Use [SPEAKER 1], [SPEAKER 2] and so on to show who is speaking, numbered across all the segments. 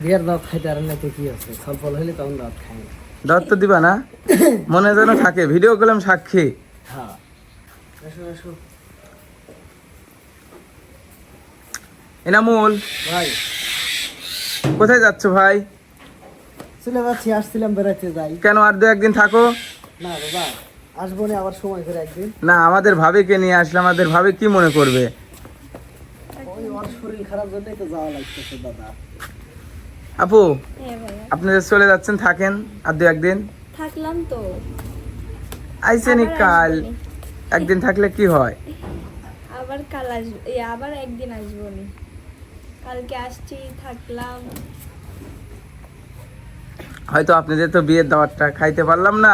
[SPEAKER 1] বিয়ের দাওয়াত খাইতে আর নাকি কি আছে, ফল হইলে তখন দাওয়াত খাই না।
[SPEAKER 2] দাওয়াত তো দিবা না, মনে যেন থাকে, ভিডিও করলাম সাক্ষী।
[SPEAKER 1] হ্যাঁ, আসো আসো
[SPEAKER 2] এনামুল,
[SPEAKER 1] ভাই।
[SPEAKER 2] কোথায় যাচ্ছ ভাই?
[SPEAKER 1] চলে যাচ্ছি, আসছিলাম বেড়াতে যাই।
[SPEAKER 2] কেন আর দু একদিন থাকো
[SPEAKER 1] না বাবা, আসবো না, আবার সময় করে একদিন।
[SPEAKER 2] না, আমাদের ভাবিকে নিয়ে আসলে আমাদের ভাবি কি মনে করবে?
[SPEAKER 1] ওই ওর শরীর খারাপ জন্যই তো যাওয়া লাগতেছে দাদা।
[SPEAKER 2] আপু,
[SPEAKER 3] হ্যাঁ ভাইয়া,
[SPEAKER 2] আপনি যে চলে যাচ্ছেন, থাকেন আর দু একদিন।
[SPEAKER 3] থাকলাম তো।
[SPEAKER 2] আইসেনি
[SPEAKER 3] আবার
[SPEAKER 2] কাল,
[SPEAKER 3] আসবনি।
[SPEAKER 2] একদিন থাকলে কি হয়?
[SPEAKER 3] আবার কাল আসবো, আবার একদিন আসবো নি। কালকে আসছি, থাকলাম।
[SPEAKER 2] হয়তো আপনাদের তো বিয়ের দাওয়াতটা খাইতে পারলাম না।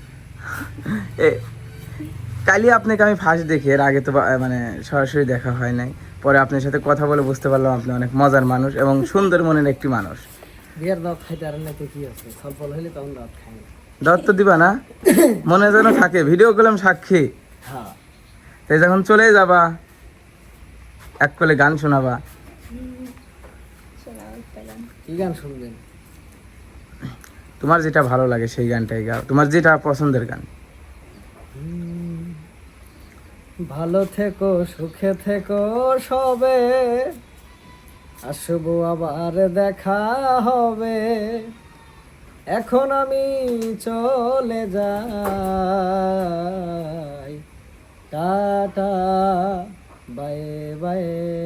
[SPEAKER 2] কালই আপনাকে আমি ফার্স্ট দেখি, এর আগে তো মানে সরাসরি দেখা হয় নাই। পরে আপনার সাথে কথা বলে বুঝতে পারলাম আপনি অনেক মজার মানুষ এবং সুন্দর মনের একটি মানুষ।
[SPEAKER 1] বিয়ের দাওয়াত খাইতে আর নাকি কি আছে, ফল হইলে তখন দাওয়াত খাই না।
[SPEAKER 2] দাওয়াত তো দিবা না, মনে যেন থাকে, ভিডিও করলাম সাক্ষী।
[SPEAKER 1] হ্যাঁ,
[SPEAKER 2] তাই যখন চলে যাবা, এক কোলে গান শোনাবা।
[SPEAKER 3] শোনাও একটা গান।
[SPEAKER 1] কি গান শুনবেন?
[SPEAKER 2] তোমার যেটা ভালো লাগে সেই গানটাই গাও, তোমার যেটা পছন্দের গান।
[SPEAKER 1] ভালো থেকো, সুখে থেকো সবে, আসবো আবার দেখা হবে, এখন আমি চলে যাই, টাটা বাই বাই।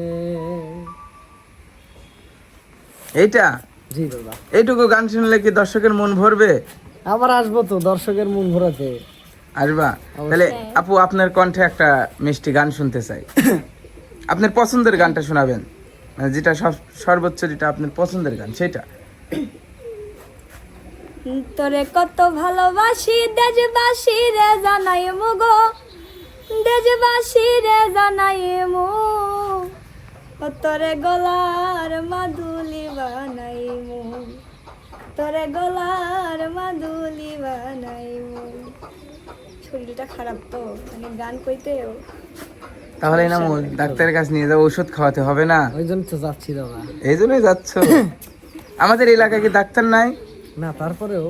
[SPEAKER 2] এইটা,
[SPEAKER 1] জি দাদা,
[SPEAKER 2] এইটুকু গান শুনলে কি দর্শকের মন ভরবে?
[SPEAKER 1] আবার আসবো তো দর্শকের মন ভরাতে।
[SPEAKER 2] আসবা? তাহলে আপু, আপনার কণ্ঠে একটা মিষ্টি গান শুনতে চাই। আপনার পছন্দের গানটা শোনাবেন, মানে যেটা সর্বোচ্চ যেটা আপনার পছন্দের গান সেটা।
[SPEAKER 3] তোরে কত ভালোবাসি, দেশবাসী রে জানাই মুগো, দেশবাসী রে জানাই মু, তোরে গলার মাদুলি বানাই মু, তোরে গলার মাদুলি বানাই মু। শরীরটা খারাপ তো, মানে গান কইতেও।
[SPEAKER 2] তাহলে না ডাক্তারের কাছে নিয়ে যাবো, ওষুধ খাওয়াতে হবে না?
[SPEAKER 1] ওই জন্য তো যাচ্ছি দাদা।
[SPEAKER 2] এই জন্যই যাচ্ছ? আমাদের এলাকায় কি ডাক্তার নাই?
[SPEAKER 1] না, তারপরেও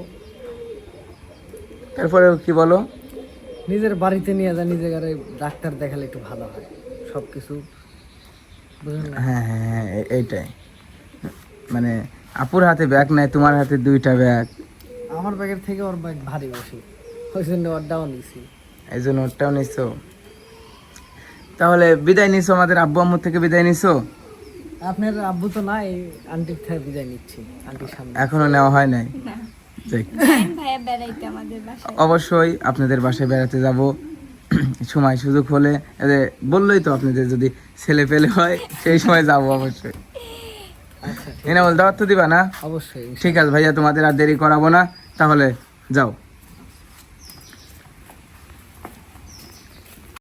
[SPEAKER 2] তারপরেও কি বলো?
[SPEAKER 1] নিজের বাড়িতে নিয়ে যা, নিজের ঘরে ডাক্তার দেখালে একটু ভালো হয় সবকিছু, বুঝলেন না?
[SPEAKER 2] হ্যাঁ হ্যাঁ হ্যাঁ, এইটাই। মানে আপুর হাতে ব্যাগ নাই, তোমার হাতে দুইটা ব্যাগ,
[SPEAKER 1] আমার ব্যাগের থেকে ওর ব্যাগ ভারী বেশি, ওই জন্য ওরটাও নিছি।
[SPEAKER 2] এই জন্য ওটাও নিছো। তাহলে বিদায় নিছো, আমাদের আব্বু আম্মু থেকে বিদায় নিছো?
[SPEAKER 1] আপনার আব্বু তো নাই, আন্টির থেকে বিদায় নিচ্ছি, আন্টির সামনে।
[SPEAKER 2] এখনো নেওয়া হয় নাই?
[SPEAKER 3] না,
[SPEAKER 2] যাক,
[SPEAKER 3] ভাইয়া বেড়াইতে আমাদের বাসায়।
[SPEAKER 2] অবশ্যই আপনাদের বাসায় বেড়াতে যাব সময় সুযোগ হলে। বললোই তো আপনাদের যদি ছেলে পেলে হয় সেই সময় যাব অবশ্যই।
[SPEAKER 1] আচ্ছা,
[SPEAKER 2] এনে বল, দাওয়াত তো দিবা না?
[SPEAKER 1] অবশ্যই।
[SPEAKER 2] ঠিক আছে ভাইয়া, তোমাদের আর দেরি করাবো না, তাহলে যাও।